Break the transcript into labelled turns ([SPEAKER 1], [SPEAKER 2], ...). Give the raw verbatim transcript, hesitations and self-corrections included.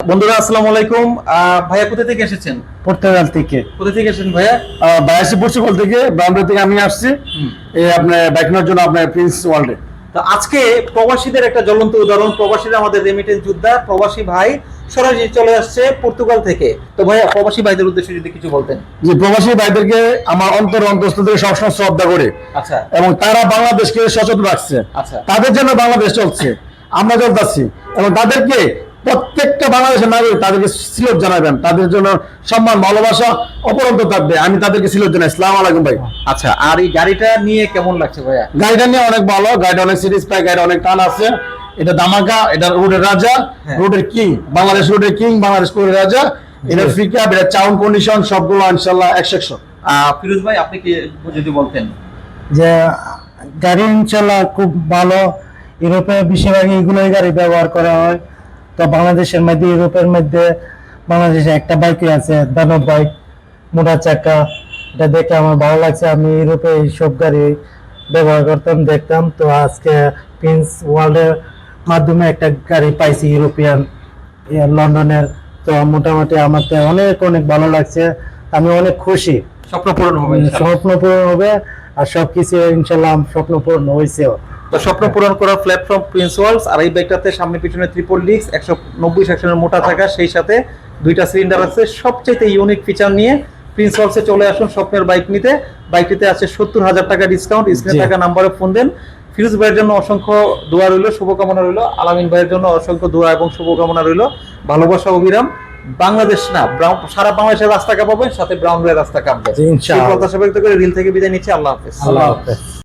[SPEAKER 1] বন্ধুরা আসসালামু আলাইকুম। ভাইয়া কোথা থেকে এসেছেন?
[SPEAKER 2] পর্তুগাল থেকে।
[SPEAKER 1] কোথা থেকে এসেছেন ভাইয়া?
[SPEAKER 2] বাইশে পর্তুগাল থেকে, ব্রাউনডে থেকে আমি আসছি এই আপনার বাইক নেওয়ার জন্য আপনার প্রিন্স ওয়ার্ল্ডে।
[SPEAKER 1] তো আজকে প্রবাসীদের একটা জ্বলন্ত উদাহরণ, প্রবাসীরা আমাদের রেমিটেন্স যোদ্ধা, প্রবাসী ভাই সরাসরি চলে আসছে পর্তুগাল থেকে। তো ভাইয়া প্রবাসী ভাইদের উদ্দেশ্যে যদি কিছু বলতেন।
[SPEAKER 2] যে প্রবাসী ভাইদেরকে আমার অন্তর অন্তঃস্থল থেকে সবসময় শ্রদ্ধা করে,
[SPEAKER 1] আচ্ছা,
[SPEAKER 2] এবং তারা বাংলাদেশকে সচেতন রাখছে।
[SPEAKER 1] আচ্ছা,
[SPEAKER 2] তাদের জন্য বাংলাদেশ চলছে, আমরা চলতেছি, এবং তাদেরকে প্রত্যেকটা বাংলাদেশের নাগরিক তাদেরকে সিলট জানাবেন, তাদের জন্য সম্মান ভালোবাসা অপরন্ত থাকবে। আমি তাদেরকে সিলট জানাই। আসসালামু আলাইকুম ভাই।
[SPEAKER 1] আচ্ছা, আর এই গাড়িটা নিয়ে কেমন লাগছে ভাইয়া?
[SPEAKER 2] গাড়িটা নিয়ে অনেক ভালো, গাড়িটা অনেক সিরিজ পায়, গাড়িটা অনেক টান আছে। এটা দামাকা, এটা রোডের রাজা, রোডের কিং, বাংলাদেশ রোডের কিং, বাংলাদেশ রোডের রাজা। এটা ফিকা, এটা চাউন কন্ডিশন সবগুলো ইনশাআল্লাহ একশো একশো।
[SPEAKER 1] ফিরোজ ভাই আপনি কি যদি বলতেন?
[SPEAKER 2] যে গাড়ি ইনশাআল্লাহ খুব ভালো। ইউরোপে বেশিরভাগ এইগুলোই গাড়ি ব্যবহার করা হয়। তো বাংলাদেশের মধ্যে, ইউরোপের মধ্যে বাংলাদেশে একটা বাইকই আছে, দানব বাইক, মোটা চাকা। এটা দেখে আমার ভালো লাগছে। আমি ইউরোপে এইসব গাড়ি ব্যবহার করতাম, দেখতাম। তো আজকে প্রিন্স ওয়ার্ল্ডের মাধ্যমে একটা গাড়ি পাইছি, ইউরোপিয়ান, লন্ডনের। তো মোটামুটি আমার তো অনেক অনেক ভালো লাগছে। আমি অনেক খুশি।
[SPEAKER 1] স্বপ্ন পূরণ হবে,
[SPEAKER 2] স্বপ্ন পূরণ হবে, আর সবকিছু ইনশাল্লাহ স্বপ্ন পূরণ হয়েছেও।
[SPEAKER 1] তো স্বপ্ন পূরণ করার প্ল্যাটফর্ম প্রিন্স ওয়ার্ল্ডস। আর এই বাইকটাতে সামনে পিছনে ট্রিপল ডিস্ক, একশো নব্বই সেকশনের মোটা থাকা, সেই সাথে দুইটা সিলিন্ডার আছে। সবচেয়ে ইউনিক ফিচার নিয়ে প্রিন্স ওয়ার্ল্ডসে চলে আসুন স্বপ্নের বাইক নিতে। বাইকটিতে আছে সত্তর হাজার টাকা ডিসকাউন্ট। স্ক্রিনে থাকা নাম্বারে ফোন দেন। ফিরোজ ভাইয়ের জন্য অসংখ্য দোয়া রইল, শুভকামনা রইল। আলামিন ভাইয়ের জন্য অসংখ্য দোয়া এবং শুভকামনা রইল। ভালোবাসা অবিরাম। বাংলাদেশ না, সারা বাংলাদেশের রাস্তা কাঁপাবেন, সাথে ব্রাউন ভাইয়ের রাস্তা কাঁপবে। সেই প্রত্যাশা ব্যক্ত করে রিল থেকে বিদায় নিচ্ছি। আল্লাহ হাফেজ।
[SPEAKER 2] আল্লাহ হাফেজ।